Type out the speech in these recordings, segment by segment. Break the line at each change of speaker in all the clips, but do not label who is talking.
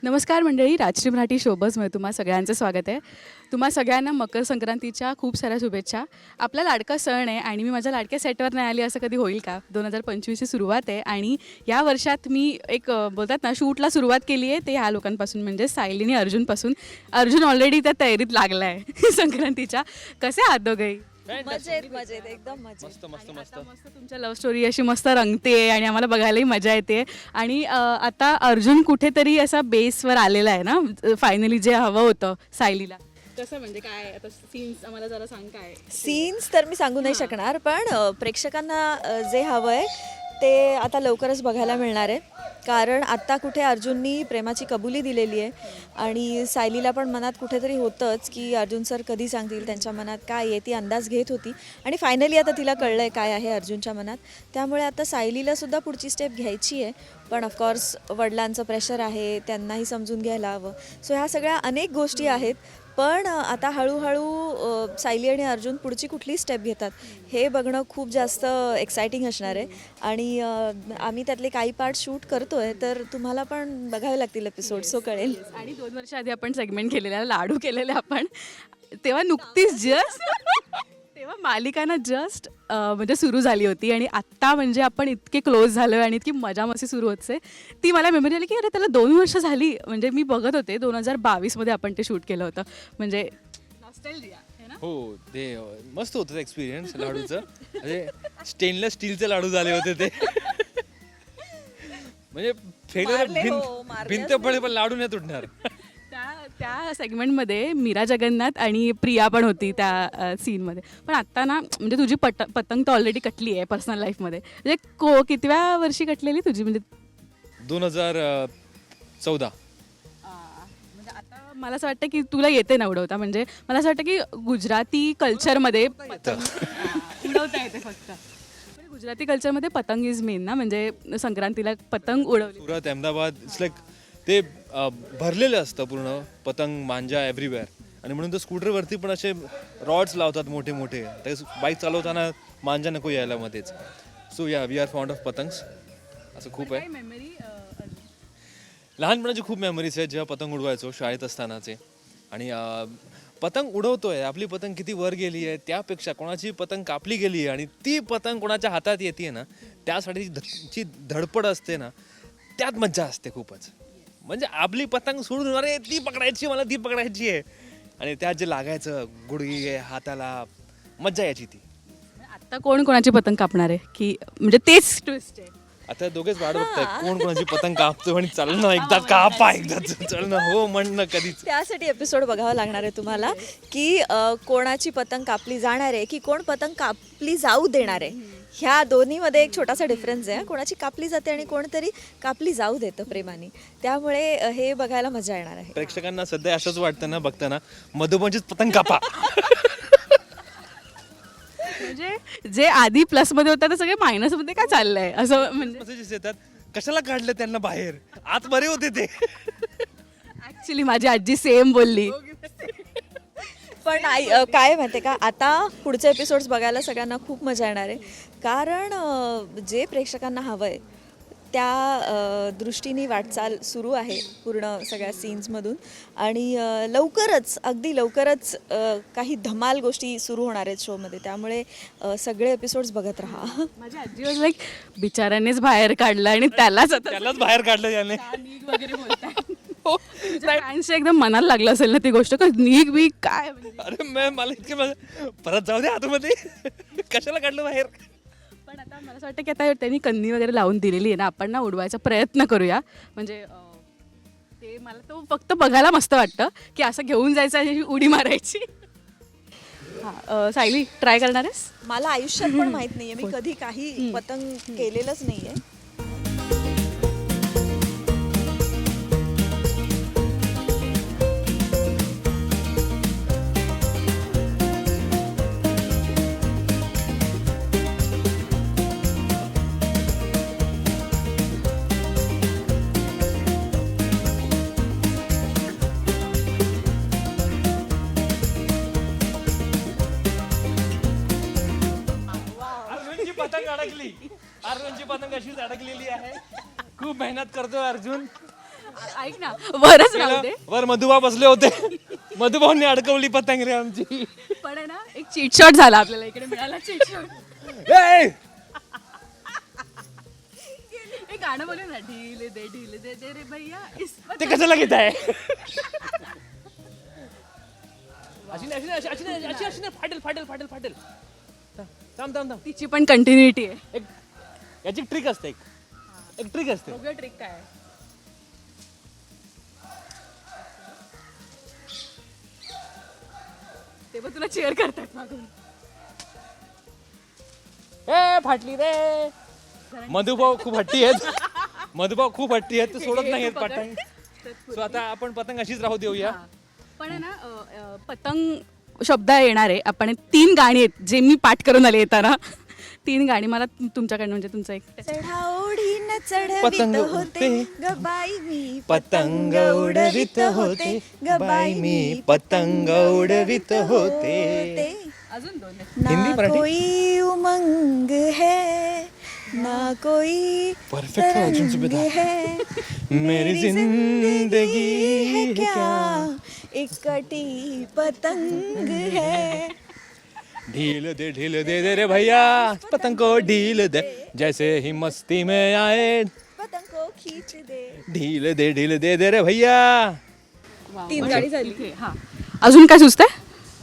नमस्कार मंडळी, राजश्री मराठी शोबजमध्ये तुम्हा सगळ्यांचं स्वागत आहे. तुम्हा सगळ्यांना मकर संक्रांतीच्या खूप साऱ्या शुभेच्छा. आपला लाडका सण आहे आणि मी माझ्या लाडक्या सेटवर नाही आली असं कधी होईल का? 2025ची सुरुवात आहे आणि या वर्षात मी एक बोलतात ना शूटला सुरुवात केली आहे ते ह्या लोकांपासून म्हणजे सायली आणि अर्जुनपासून. अर्जुन ऑलरेडी त्या तयारीत लागला आहे संक्रांतीच्या. कसे आहात दोघंही?
मजेत मजेत एकदम मजेत.
मस्त मस्त मस्त
मस्त तुमच्या लव्ह स्टोरी अशी मस्त रंगते आणि आम्हाला बघायलाही मजा येते. आणि आता अर्जुन कुठेतरी असा बेसवर आलेला आहे ना फायनली, जे हवं होतं सायलीला. कसं म्हणजे काय आता सीन्स आम्हाला जरा सांग काय?
सीन्स तर मी सांगू नाही शकणार, पण प्रेक्षकांना जे हवं आहे ते आता लवकरच बघायला मिळणार आहे. कारण आत्ता कुठे अर्जुननी प्रेमाची कबुली दिलेली आहे आणि सायलीला पण मनात कुठेतरी होतंच की अर्जुन सर कधी सांगतील, त्यांच्या मनात काय आहे ती अंदाज घेत होती आणि फायनली आता तिला कळलं आहे काय आहे अर्जुनच्या मनात. त्यामुळे आता सायलीलासुद्धा पुढची स्टेप घ्यायची आहे, पण ऑफकोर्स वडिलांचं प्रेशर आहे, त्यांनाही समजून घ्यायला हवं. सो ह्या सगळ्या अनेक गोष्टी आहेत. पण आता हळूहळू सायली आणि अर्जुन पुढची कुठली स्टेप घेतात हे बघणं खूप जास्त एक्सायटिंग असणार आहे. आणि आम्ही त्यातले काही पार्ट शूट करतो आहे, तर तुम्हाला पण बघावे लागतील एपिसोड, सो कळेल.
आणि 2 वर्ष आधी आपण सेगमेंट केलेला लाडू केलेले आपण, तेव्हा नुकतीच तेव्हा मालिकांना जस्ट म्हणजे सुरू झाली होती आणि आत्ता म्हणजे आपण इतके क्लोज झालो आणि इतकी मजा मस्ती सुरू होते. ती मला मेमरी आली की अरे त्याला 2 वर्ष झाली. म्हणजे मी बघत होते 2022मध्ये आपण ते शूट केलं होतं. म्हणजे नॉस्टॅल्जिया आहे ना.
हो, ते मस्त होतं एक्सपिरियन्स लाडूचं. म्हणजे स्टेनलेस स्टीलचे लाडू झाले होते ते. म्हणजे
मारले हो, मारले
भिंत पडे पण लाडू नाही तुटणार.
त्या सेगमेंटमध्ये मीरा जगन्नाथ आणि प्रिया पण होती त्या सीनमध्ये. पण आत्ता ना म्हणजे तुझी पतंग तर ऑलरेडी कटली आहे पर्सनल लाईफमध्ये. म्हणजे कितव्या वर्षी कटलेली तुझी? म्हणजे
2014.
म्हणजे आता मला असं वाटतं की तुला येते ना उडवता. म्हणजे मला असं वाटतं की गुजराती कल्चरमध्ये उडवता येते फक्त. म्हणजे गुजराती कल्चरमध्ये पतंग इज मेन ना, म्हणजे संक्रांतीला पतंग उडवली.
सुरत, अहमदाबाद, इट्स लाईक ते भरलेलं असतं पूर्ण पतंग मांजा एव्हरीवेअर. आणि म्हणून तर स्कूटरवरती पण असे रॉड्स लावतात मोठे मोठे. ते बाईक चालवताना मांजा नको यायला मध्येच. सो या वी आर फाउंड ऑफ पतंग्स. असं खूप आहे.
मेमरी
लहानपणाची खूप मेमरीज आहेत जेव्हा पतंग उडवायचो शाळेत असतानाचे. आणि पतंग उडवतोय, आपली पतंग किती वर गेली आहे त्यापेक्षा कोणाची पतंग कापली गेली आहे आणि ती पतंग कोणाच्या हातात येते ना, त्यासाठी जी धडपड असते ना, त्यात मज्जा असते खूपच. म्हणजे आपली पतंग सोडून अरे ती पकडायची, मला ती पकडायची आहे, आणि त्यात जे लागायचं गुडघे हाताला, मज्जा यायची ती.
आता कोण कोणाची पतंग कापणार आहे की म्हणजे तेच ट्विस्ट आहे.
आता दोघेच वाट बघताय कोण कोणाची पतंग कापतो आणि चल ना एकदा कापा, एकदा चल ना हो म्हणणं कधीच.
त्यासाठी एपिसोड बघावा लागणार आहे तुम्हाला की कोणाची पतंग कापली जाणार आहे की कोण पतंग कापली जाऊ देणार आहे. ह्या दोन्हीमध्ये एक छोटासा डिफरन्स आहे. कोणाची कापली जाते आणि कोणतरी कापली जाऊ देतं प्रेमाने. त्यामुळे हे बघायला मजा येणार आहे.
प्रेक्षकांना सध्या असंच वाटतं ना बघताना, मधुबनचीच पतंग कापा.
म्हणजे जे आधी प्लसमध्ये होतं ते सगळे मायनसमध्ये काय चाललंय असं. म्हणजे
मेसेजेस येतात, कशाला काढलं त्यांना बाहेर, आत बरे होते ते.
ॲक्च्युली माझी आजी सेम बोलली.
पण काय माहिती आहे का, आता पुढचे एपिसोड्स बघायला सगळ्यांना खूप मजा येणार आहे. कारण जे प्रेक्षकांना हवं आहे त्या दृष्टीने वाटचाल सुरू आहे पूर्ण सगळ्या सीन्समधून. आणि लवकरच, अगदी लवकरच काही धमाल गोष्टी सुरू होणार आहेत शोमध्ये. त्यामुळे सगळे एपिसोड्स बघत राहा.
माझी आजी वॉज लाईक बिचाऱ्यानेच बाहेर काढलं आणि त्यालाच आता
त्यालाच बाहेर काढलं याने.
नीग वगैरे बोलताय. फॅन्सच्या एकदम मनाला लागलं असेल ना ती गोष्ट, का नीग बीग काय म्हणजे.
अरे मला इतके परत जाऊ दे आतमध्ये, कशाला काढलं बाहेर.
पण आता मला असं वाटतं की आता त्यांनी कन्नी वगैरे लावून दिलेली आहे ना, आपण ना उडवायचा प्रयत्न करूया. म्हणजे ते मला तो फक्त बघायला मस्त वाटतं की असं घेऊन जायचं आणि उडी मारायची. हां सायली, ट्राय करणार आहेस?
मला आयुष्यात पण माहीत नाही आहे, मी कधी काही पतंग केलेलंच नाही आहे.
अर्जुनची पतंग अशीच अडकलेली आहे. खूप मेहनत करतोय अर्जुन.
ऐक ना वरच राहू दे.
वर मधुबा बसले होते. मधुभाऊंनी अडकवली पतंग रे आमची.
पण आहे ना एक चीट शॉट झाला आपल्याला इकडे मिळाला चीट शॉट.
ए!
एक गाणं बोलू ना ढील दे रे भैया इस
ते कशाला घेत आहे? फाटेल. थांब.
तिची पण कंटिन्युटी आहे.
एक याची ट्रिक असते एक ट्रिक असते.
बघूया ट्रिक काय आहे. ते पण तुला चेअर करतात मागून.
ए फाटली रे. मधुभाऊ खूप हट्टी आहेत. ते सोडत नाही आहेत पतंग. सो आता आपण पतंग अशीच राहू देऊया.
पण आहे ना पतंग शब्द येणार आहे. आपण 3 गाणी आहेत जे मी पाठ करून आले येताना. 3 गाणी मला तुमच्याकडनं म्हणजे तुमचं एक
चढाओढीन
पतंग
चढवित होते
उडते,
ग बाई मी
पतंग उडवित होते ग बाई मी पतंग उडवित होते.
अजून 2 आहेत.
हिंदी,
ना
मराठी?
कोई उमंग है ना कोई
Perfect है, अर्जुन
तरंग
सुबेदार.
है
मेरी जिंदगी
है
है
क्या एक कटी पतंग है.
ढील दे रे भैया पतंग को ढील दे जैसे ही मस्ती में आए.
पतंग को खींच दे.
ढील दे रे भैया.
3 गाडी झाली.
इथे, हा. अजून काय सुचतंय?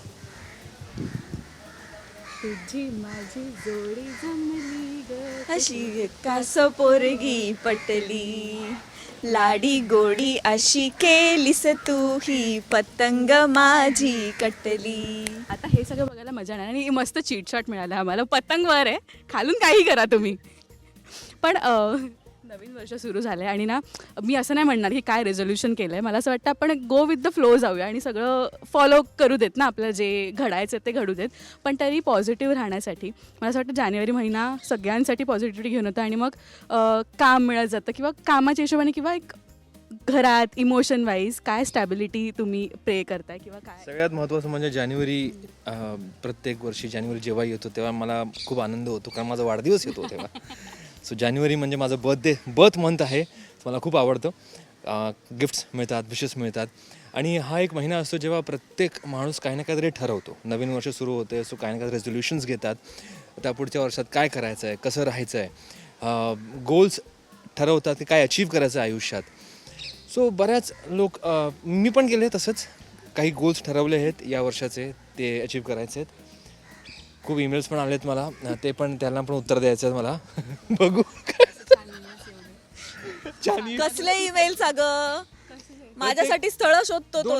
तुझी माझी जोडी जमली ग.
अशी कास पोरगी पटली लाडी गोडी अशी केलीस तू ही पतंग माझी कटली.
आता हे सगळं बघायला मजा नाही आणि मस्त चीट शॉट मिळाला आम्हाला. पतंगवर आहे, खालून काही करा तुम्ही. पण नवीन वर्ष सुरू झालं आहे आणि ना मी असं नाही म्हणणार की काय रेझोल्युशन केलं आहे. मला असं वाटतं आपण गो विथ द फ्लो जाऊया आणि सगळं फॉलो करू देत ना, आपलं जे घडायचं ते घडू देत. पण तरी पॉझिटिव्ह राहण्यासाठी मला असं वाटतं जानेवारी महिना सगळ्यांसाठी पॉझिटिव्हिटी घेऊन होतं आणि मग काम मिळत जातं किंवा कामाच्या हिशोबाने किंवा एक घरात इमोशन वाईज काय स्टॅबिलिटी तुम्ही प्रे करताय किंवा काय.
सगळ्यात महत्त्वाचं म्हणजे जानेवारी. प्रत्येक वर्षी जानेवारी जेव्हा येतो तेव्हा मला खूप आनंद होतो कारण माझा वाढदिवस येतो तेव्हा. सो जानेवारी म्हणजे माझं बर्थ मंथ आहे. मला खूप आवडतं. गिफ्ट्स मिळतात, विशेस मिळतात आणि हा एक महिना असतो जेव्हा प्रत्येक माणूस काही ना काहीतरी ठरवतो. नवीन वर्ष सुरू होते, सो काही ना काही रेझोल्युशन्स घेतात. त्या पुढच्या वर्षात काय करायचं आहे, कसं राहायचं आहे, गोल्स ठरवतात की काय अचीव करायचं आहे आयुष्यात. सो बऱ्याच लोक मी पण केले तसंच काही गोल्स ठरवले आहेत या वर्षाचे, ते अचीव करायचे आहेत. खूप ईमेल्स पण आलेत मला, ते पण त्यांना पण उत्तर द्यायचं आहे मला. बघू
कसले ईमेल अगं माझ्यासाठी स्थळ शोधतो तो.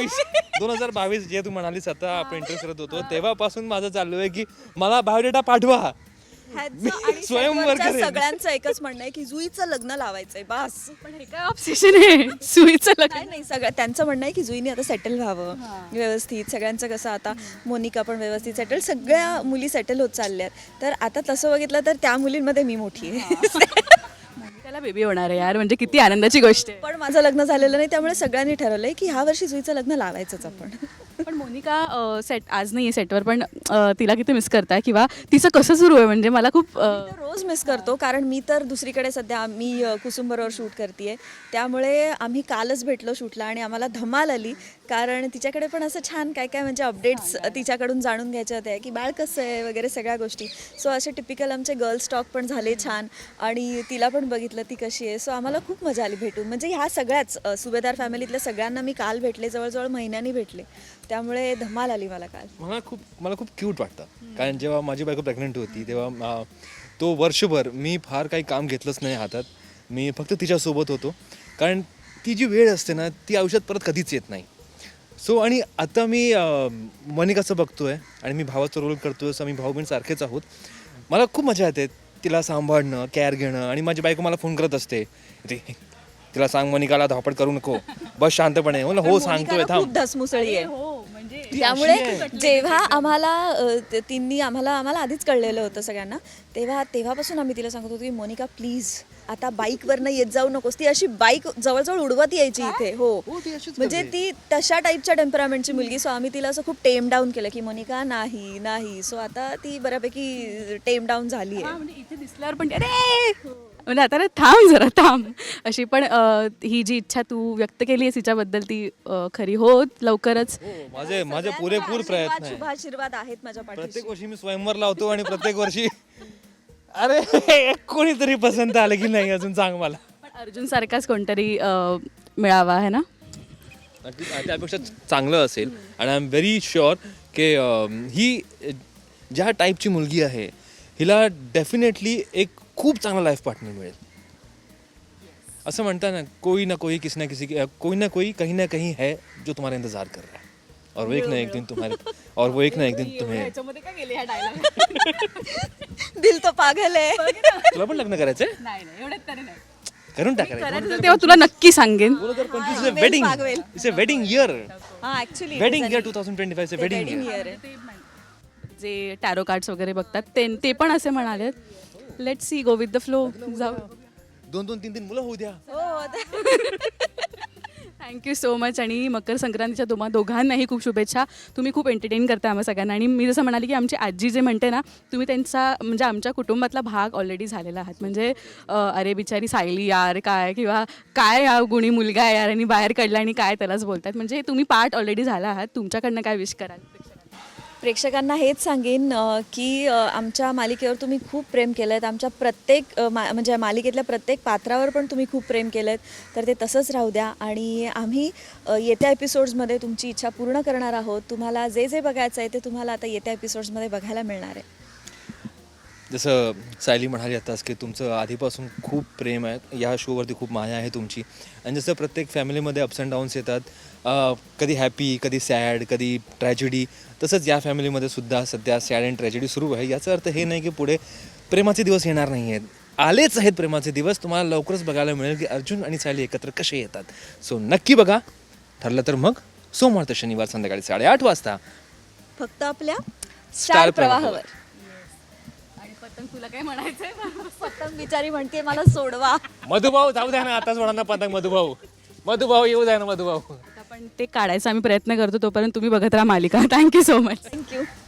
2022 जे तू म्हणालीस आता आपण इंटरेस्ट करत होतो तेव्हापासून माझं चालू आहे की मला बायोडेटा पाठवा. स्वयंवर करेन.
सगळ्यांचं एकच म्हणणं आहे की जुईचं लग्न लावायचंय बस.
पण हे काय ऑब्सेशन आहे सुईचं लग्न.
नाही सगळं त्यांचं म्हणणं आहे की जुईने आता सेटल व्हावं व्यवस्थित. सगळ्यांचं कसं आता मोनिका पण व्यवस्थित सेटल, सगळ्या मुली सेटल होत चालल्यात. तर आता तसं बघितलं तर त्या मुलींमध्ये मी मोठी आहे.
त्याला बेबी होणार आहे यार, म्हणजे किती आनंदाची गोष्ट आहे.
पण माझं लग्न झालेलं नाही त्यामुळे सगळ्यांनी ठरवलंय की ह्या वर्षी जुईचं लग्न लावायचंच आपण.
पण मोनिका सेट आज नाही आहे सेटवर, पण तिला किती मिस करताय किंवा तिचं कसं सुरू आहे? म्हणजे मला खूप
रोज मिस करतो कारण मी तर दुसरीकडे सध्या मी कुसुंबरोबर शूट करते. त्यामुळे आम्ही कालच भेटलो शूटला आणि आम्हाला धमाल आली कारण तिच्याकडे पण असं छान काय काय म्हणजे अपडेट्स तिच्याकडून जाणून घ्यायच्या होत्या की बाळ कसं आहे वगैरे सगळ्या गोष्टी. सो असे टिपिकल आमचे गर्ल्स टॉक पण झाले छान आणि तिला पण बघितलं ती कशी आहे. सो आम्हाला खूप मजा आली भेटून. म्हणजे ह्या सगळ्याच सुभेदार फॅमिलीतल्या सगळ्यांना मी काल भेटले, जवळजवळ महिन्यानी भेटले. त्यामुळे धमाल आली मला काल.
मला खूप क्यूट वाटतं कारण जेव्हा माझी बायको प्रेग्नंट होती तेव्हा तो वर्षभर मी फार काही काम घेतलंच नाही हातात. मी फक्त तिच्यासोबत होतो कारण ती जी वेळ असते ना ती आयुष्यात परत कधीच येत नाही. सो आणि आता मी मोनिकाचं बघतोय आणि मी भावाचा रोल करतोय. सो आम्ही भाऊ बहीण सारखेच आहोत. मला खूप मजा येते तिला सांभाळणं, केअर घेणं. आणि माझी बायको मला फोन करत असते, तिला सांग मोनिकाला धावपळ करू नको, बस शांतपणे. म्हणलं हो सांगतोय
खूप
थांब.
धसमुसळी आहे.
म्हणजे
त्यामुळे जेव्हा आम्हाला आधीच कळलेलं होतं सगळ्यांना, तेव्हापासून आम्ही तिला सांगत होतो की मोनिका प्लीज आता बाईकवरनं येत जाऊ नकोस. ती अशी बाईक जवळजवळ उडवत यायची इथे. हो म्हणजे ती तशा टाईपच्या टेम्परामेंटची मुलगी. सो आम्ही तिला असं खूप टेम डाऊन केलं की मोनिका नाही. सो आता ती बऱ्यापैकी टेम डाऊन झाली आहे.
म्हणजे इथे दिसल्यावर पण अरे म्हणजे आता ना थांब जरा थांब अशी पण ही जी इच्छा तू व्यक्त केली आहेस हिच्याबद्दल ती खरी होत लवकरच.
माझे पुरेपूर प्रयत्न आहे.
शुभाशीर्वाद आहेत माझ्या पाठीशी.
प्रत्येक वर्षी मी स्वयंवर लावतो आणि प्रत्येक वर्षी अरे कोणीतरी पसंत आलं की नाही अजून सांग मला.
पण अर्जुन सारखाच कोणतरी मिळावा आहे ना.
नक्कीच त्यापेक्षा चांगलं असेल आणि आय एम व्हेरी शुअर की ही ज्या टाईपची मुलगी आहे हिला डेफिनेटली एक खूप चांगला लाईफ पार्टनर मिळेल. असं म्हणता ना कोई ना कोई किसी ना किसी कोई ना कोई कहीं ना कहीं है जो तुम्हारा इंतजार कर रहा है और वो एक ना एक दिन तुम्हें
ह्याच्यामध्ये काय गेले ह्या डायलॉग.
दिल तो पागल आहे.
तुला पण लग्न करायचंय
नाही नाही एवढ्यात तरी नाही.
करून टाकायचं.
करायचं असेल तेव्हा तुला नक्की सांगेन.
2025 wedding it's a wedding year.
हा actually
wedding year 2025 is a wedding year.
जे टॅरो कार्ड्स वगैरे बघतात ते पण असे म्हणाले let see go with the flow. जाऊ.
2-3 मुलं होऊ द्या.
Thank you so much. आणि मकर संक्रांतीच्या तुम्हा दोघांनाही खूप शुभेच्छा. तुम्ही खूप एंटरटेन करता आम्हा सगळ्यांना. आणि मी जसं म्हणाली की आमची आजी जे म्हणते ना तुम्ही त्यांचा म्हणजे आमच्या कुटुंबातला भाग ऑलरेडी झालेला आहात. म्हणजे अरे बिचारी सायली यार काय किंवा काय हा गुणी मुलगा आहे यार आणि बाहेर काढला आणि काय त्यालाच बोलतात. म्हणजे तुम्ही पार्ट ऑलरेडी झाला आहात. तुमच्याकडनं काय विश कराल
प्रेक्षकांना हेच सांगेन की आमच्या मालिकेवर तुम्ही खूप प्रेम केलं आहे. आमच्या प्रत्येक म्हणजे मालिकेतल्या प्रत्येक पात्रावर पण तुम्ही खूप प्रेम केलं आहे. तर ते तसंच राहू द्या. आणि आम्ही येत्या एपिसोड्समध्ये तुमची इच्छा पूर्ण करणार आहोत. तुम्हाला जे जे बघायचं आहे ते तुम्हाला आता येत्या एपिसोड्समध्ये बघायला मिळणार आहे.
जसं सायली म्हणाली आताच की तुमचं आधीपासून खूप प्रेम आहे या शोवरती, खूप माया आहे तुमची. आणि जसं प्रत्येक फॅमिलीमध्ये अप्स अँड डाऊन्स येतात, कधी हॅपी कधी सॅड कधी ट्रॅजेडी, तसंच या फॅमिलीमध्ये सुद्धा सध्या सॅड अँड ट्रॅजेडी सुरू आहे. याचा अर्थ हे नाही की पुढे प्रेमाचे दिवस येणार नाही आहेत. आलेच आहेत प्रेमाचे दिवस. तुम्हाला लवकरच बघायला मिळेल की अर्जुन आणि सायली एकत्र कसे येतात. सो नक्की बघा. ठरलं तर मग सोमवार ते शनिवार संध्याकाळी 8:30 वाजता
फक्त आपल्या
स्टार प्रवाहावर.
आणि पतंग तुला काय म्हणायचंय.
पतंग बिचारी म्हणते मला सोडवा.
मधुभाऊ जाऊ द्या ना आताच म्हणा ना पतंग. मधुभाऊ येऊ द्या ना मधुभाऊ.
आता पण ते काढायचा आम्ही प्रयत्न करतो. तोपर्यंत तुम्ही बघत राहा मालिका. Thank you so much.
थँक्यू.